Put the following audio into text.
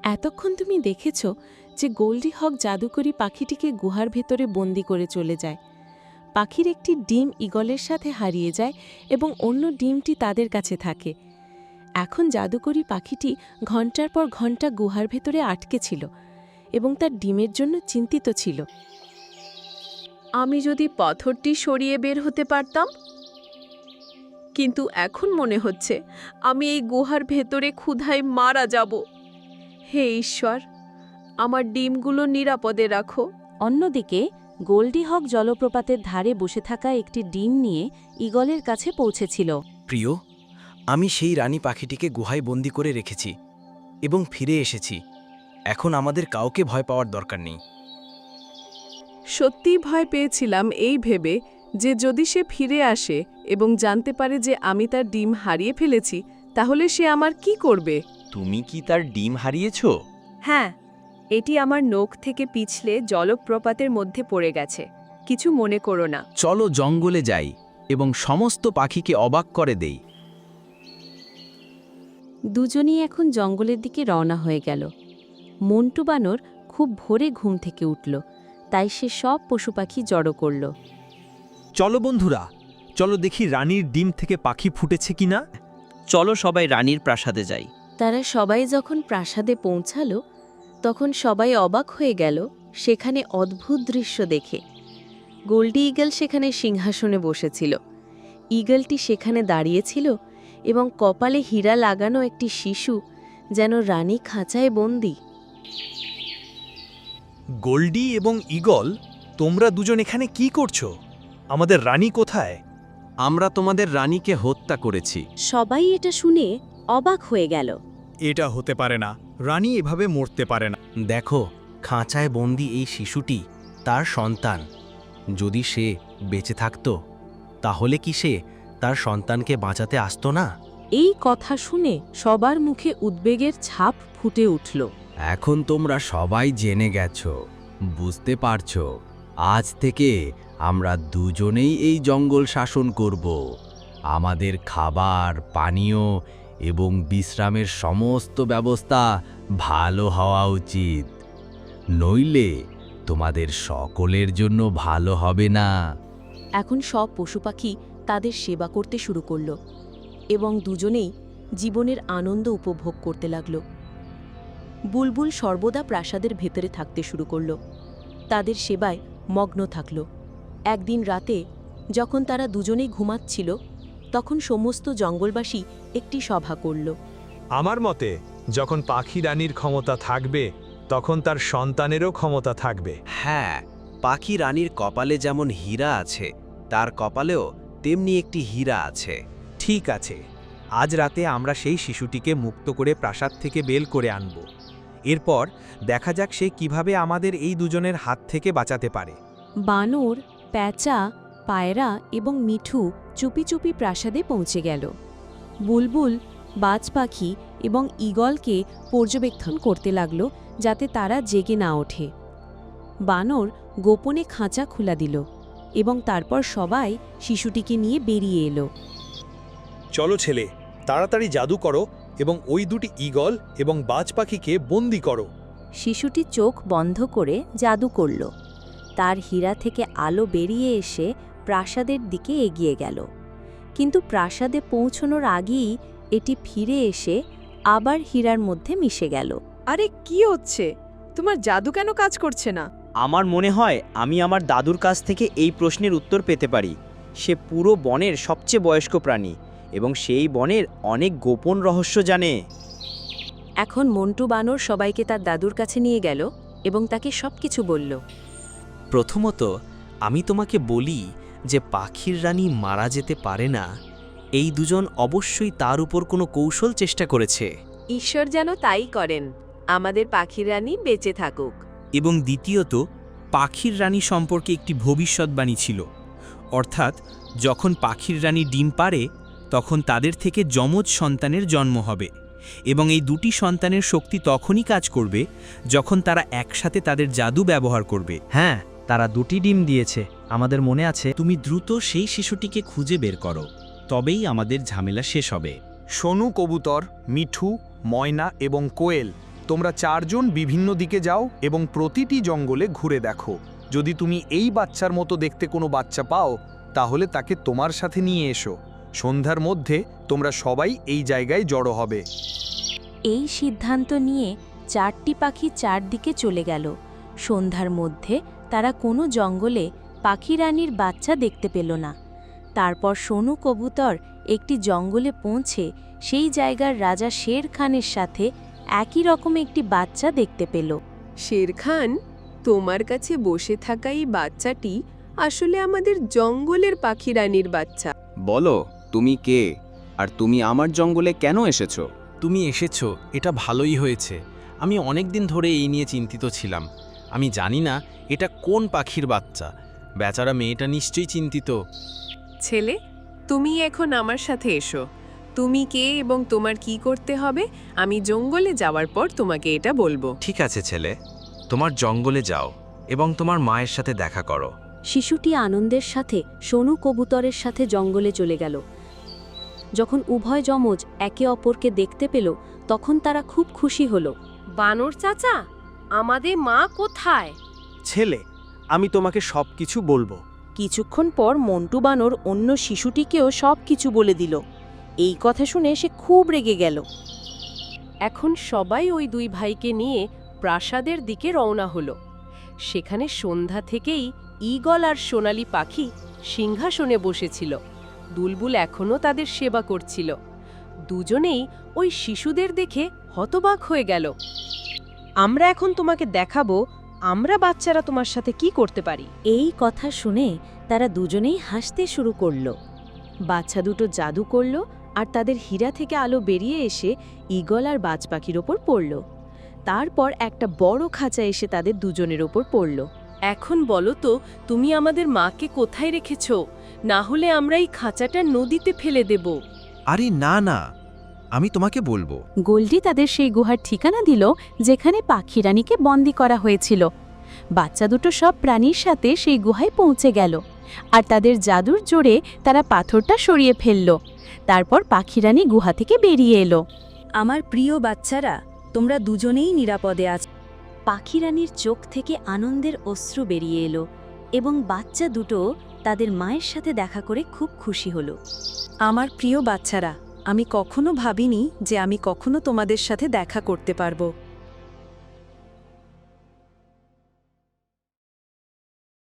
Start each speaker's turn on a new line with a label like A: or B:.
A: এতক্ষণ তুমি দেখেছ যে গোল্ডি হক জাদুকরী পাখিটিকে গুহার ভেতরে বন্দি করে চলে যায়। পাখির একটি ডিম ঈগলের সাথে হারিয়ে যায় এবং অন্য ডিমটি তাদের কাছে থাকে। এখন জাদুকরী পাখিটি ঘণ্টার পর ঘণ্টা গুহার ভেতরে আটকে ছিল এবং তার ডিমের জন্য চিন্তিত ছিল।
B: আমি যদি পাথরটি সরিয়ে বের হতে পারতাম, কিন্তু এখন মনে হচ্ছে আমি এই গুহার ভেতরে ক্ষুধায় মারা যাব। হে ঈশ্বর, আমার ডিমগুলো নিরাপদে রাখো।
C: অন্যদিকে গোল্ডি হক জলপ্রপাতের ধারে বসে থাকা একটি ডিম নিয়ে ঈগলের কাছে পৌঁছেছিল।
D: প্রিয়, আমি সেই রানী পাখিটিকে গুহায় বন্দি করে রেখেছি এবং ফিরে এসেছি। এখন আমাদের কাউকে ভয় পাওয়ার দরকার নেই।
B: সত্যিই ভয় পেয়েছিলাম এই ভেবে যে যদি সে ফিরে আসে এবং জানতে পারে যে আমি তার ডিম হারিয়ে ফেলেছি, তাহলে সে আমার কি করবে।
E: তুমি কি তার ডিম হারিয়েছ?
B: হ্যাঁ, এটি আমার নখ থেকে পিছলে জলপ্রপাতের মধ্যে পড়ে গেছে। কিছু মনে করো না।
E: চলো জঙ্গলে যাই এবং সমস্ত পাখিকে অবাক করে দেই।
C: দুজনেই এখন জঙ্গলের দিকে রওনা হয়ে গেল। মন্টু বানর খুব ভোরে ঘুম থেকে উঠল, তাই সে সব পশু পাখি জড়ো করল।
F: চলো বন্ধুরা, চলো দেখি রানীর ডিম থেকে পাখি ফুটেছে কিনা।
G: চলো সবাই রানীর প্রাসাদে যাই।
C: তারা সবাই যখন প্রাসাদে পৌঁছাল, তখন সবাই অবাক হয়ে গেল সেখানে অদ্ভুত দৃশ্য দেখে। গোল্ডি ঈগল সেখানে সিংহাসনে বসেছিল। ঈগলটি সেখানে দাঁড়িয়েছিল এবং কপালে হীরা লাগানো একটি শিশু যেন রানী খাঁচায় বন্দী।
F: গোল্ডি এবং ঈগল, তোমরা দুজন এখানে কি করছো? আমাদের রানী কোথায়?
E: আমরা তোমাদের রানীকে হত্যা করেছি।
C: সবাই এটা শুনে অবাক হয়ে গেল।
F: এটা হতে পারে না, রানী এভাবে মরতে পারে না।
D: দেখো, খাঁচায় বন্দি এই শিশুটি তার সন্তান। যদি সে বেঁচে থাকত, তাহলে কি সে তার সন্তানকে বাঁচাতে আসতো না?
C: এই কথা শুনে সবার মুখে উদ্বেগের ছাপ ফুটে উঠল।
H: এখন তোমরা সবাই জেনে গেছো, বুঝতে পারছো। আজ থেকে আমরা দুজনেই এই জঙ্গল শাসন করব। আমাদের খাবার, পানীয় এবং বিশ্রামের সমস্ত ব্যবস্থা ভালো হওয়া উচিত, নইলে তোমাদের সকলের জন্য ভালো হবে না।
C: এখন সব পশু পাখি তাদের সেবা করতে শুরু করল এবং দুজনেই জীবনের আনন্দ উপভোগ করতে লাগল। বুলবুল সর্বদা প্রাসাদের ভেতরে থাকতে শুরু করল, তাদের সেবায় মগ্ন থাকল। একদিন রাতে যখন তারা দুজনেই ঘুমাচ্ছিল, তখন সমস্ত জঙ্গলবাসী একটি সভা করল।
F: আমার মতে যখন পাখি রানীর ক্ষমতা থাকবে, তখন তার সন্তানেরও ক্ষমতা থাকবে।
D: হ্যাঁ, পাখি রানীর কপালে যেমন হীরা আছে, তার কপালেও তেমনি একটি হীরা আছে।
F: ঠিক আছে, আজ রাতে আমরা সেই শিশুটিকে মুক্ত করে প্রাসাদ থেকে বের করে আনব। এরপর দেখা যাক সে কিভাবে আমাদের এই দুজনের হাত থেকে বাঁচাতে পারে।
C: বানর, প্যাঁচা, পায়রা এবং মিঠু চুপি চুপি প্রাসাদে পৌঁছে গেল। বুলবুল, বাজ পাখি এবং ঈগলকে পর্যবেক্ষণ করতে লাগল যাতে তারা জেগে না ওঠে। বানর গোপনে খাঁচা খোলা দিল এবং তারপর সবাই শিশুটিকে নিয়ে বেরিয়ে এলো।
F: চলো ছেলে, তাড়াতাড়ি জাদু করো এবং ওই দুটি ঈগল এবং বাজ পাখিকে বন্দি করো।
C: শিশুটি চোখ বন্ধ করে জাদু করল। তার হীরা থেকে আলো বেরিয়ে এসে প্রাসাদের দিকে এগিয়ে গেল, কিন্তু প্রাসাদে পৌঁছনোর আগেই এটি ফিরে এসে আবার হীরার মধ্যে মিশে গেল।
B: আরে কি হচ্ছে? তোমার জাদু কেন কাজ করছে না?
G: আমার মনে হয় আমি আমার দাদুর কাছ থেকে এই প্রশ্নের উত্তর পেতে পারি। সে পুরো বনের সবচেয়ে বয়স্ক প্রাণী এবং সেই বনের অনেক গোপন রহস্য জানে।
C: এখন মন্টু বানর সবাইকে তার দাদুর কাছে নিয়ে গেল এবং তাকে সবকিছু বলল।
D: প্রথমত, আমি তোমাকে বলি যে পাখির রানী মারা যেতে পারে না। এই দুজন অবশ্যই তার উপর কোনো কৌশল চেষ্টা করেছে।
B: ঈশ্বর যেন তাই করেন, আমাদের পাখির রানী বেঁচে থাকুক।
I: এবং দ্বিতীয়ত, পাখির রানী সম্পর্কে একটি ভবিষ্যৎবাণী ছিল, অর্থাৎ যখন পাখির রানী ডিম পাড়ে তখন তাদের থেকে যমজ সন্তানের জন্ম হবে এবং এই দুটি সন্তানের শক্তি তখনই কাজ করবে যখন তারা একসাথে তাদের জাদু ব্যবহার করবে।
J: হ্যাঁ, তারা দুটি ডিম দিয়েছে, আমাদের মনে আছে।
I: তুমি দ্রুত সেই শিশুটিকে খুঁজে বের করো, তবেই আমাদের ঝামেলা শেষ হবে।
F: সোনু কবুতর, মিঠু, ময়না এবং কোয়েল, তোমরা 4 জন বিভিন্ন দিকে যাও এবং প্রতিটি জঙ্গলে ঘুরে দেখো। যদি তুমি এই বাচ্চার মতো দেখতে কোনো বাচ্চা পাও তাহলে তাকে তোমার সাথে নিয়ে এসো। সন্ধ্যার মধ্যে তোমরা সবাই এই জায়গায় জড়ো হবে।
C: এই সিদ্ধান্ত নিয়ে 4টি পাখি 4 দিকে চলে গেল। সন্ধ্যার মধ্যে তারা কোনো জঙ্গলে পাখি রানীর বাচ্চা দেখতে পেল না। তারপর সোনু কবুতর একটি জঙ্গলে পৌঁছে সেই জায়গার রাজা শের খানের সাথে একই রকম একটি বাচ্চা দেখতে পেল।
B: শের খান, তোমার কাছে বসে থাকা এই বাচ্চাটি আসলে আমাদের জঙ্গলের পাখি রানীর বাচ্চা।
E: বলো তুমি কে, আর তুমি আমার জঙ্গলে কেন এসেছো?
J: তুমি এসেছো, এটা ভালোই হয়েছে। আমি অনেক দিন ধরে এই নিয়ে চিন্তিত ছিলাম। আমি জানি না এটা কোন পাখির বাচ্চা। বেচারা মেয়েটা নিশ্চয়ই চিন্তিত।
B: ছেলে, তুমি এখন আমার সাথে এসো। তুমি কে এবং তোমার কি করতে হবে আমি জঙ্গলে যাওয়ার পর তোমাকে এটা বলবো।
K: ঠিক আছে ছেলে, তোমার জঙ্গলে যাও এবং তোমার মায়ের সাথে দেখা করো।
C: শিশুটি আনন্দের সাথে সোনু কবুতরের সাথে জঙ্গলে চলে গেল। যখন উভয় যমজ একে অপরকে দেখতে পেল তখন তারা খুব খুশি হল।
B: বানর চাচা, আমাদের মা কোথায়?
G: ছেলে, আমি তোমাকে সবকিছু বলবো।
A: কিছুক্ষণ পর মন্টু বানর অন্য শিশুটিকেও সব কিছু বলে দিল। এই কথা শুনে সে খুব রেগে গেল।
B: এখন সবাই ওই 2 ভাইকে নিয়ে প্রাসাদের দিকে রওনা হলো। সেখানে সন্ধ্যা থেকেই ঈগল আর সোনালি পাখি সিংহাসনে বসেছিল। বুলবুল এখনও তাদের সেবা করছিল। দুজনেই ওই শিশুদের দেখে হতবাক হয়ে গেল।
A: আমরা এখন তোমাকে দেখাবো আমরা বাচ্চারা তোমার সাথে কি করতে পারি।
C: এই কথা শুনে তারা দুজনেই হাসতে শুরু করল।
A: বাচ্চা দুটো জাদু করল আর তাদের হীরা থেকে আলো বেরিয়ে এসে ঈগল আর বাজ পাখির ওপর পড়ল। তারপর একটা বড় খাঁচা এসে তাদের দুজনের ওপর পড়ল।
B: এখন বলো তো, তুমি আমাদের মাকে কোথায় রেখেছ? না হলে আমরা এই খাঁচাটা নদীতে ফেলে দেব।
K: আরে না না, আমি তোমাকে বলবো।
A: গোল্ডি তাদের সেই গুহার ঠিকানা দিল যেখানে পাখি রানীকে বন্দী করা হয়েছিল। বাচ্চা দুটো সব প্রাণীর সাথে সেই গুহায় পৌঁছে গেল আর তাদের জাদুর জোরে তারা পাথরটা সরিয়ে ফেলল। তারপর পাখি রানী গুহা থেকে বেরিয়ে এলো।
C: আমার প্রিয় বাচ্চারা, তোমরা দুজনেই নিরাপদে আছো। পাখি রানীর চোখ থেকে আনন্দের অশ্রু বেরিয়ে এলো এবং বাচ্চা দুটো তাদের মায়ের সাথে দেখা করে খুব খুশি হলো।
A: আমার প্রিয় বাচ্চারা, আমি কখনো ভাবিনি যে আমি কখনো তোমাদের সাথে দেখা করতে পারবো।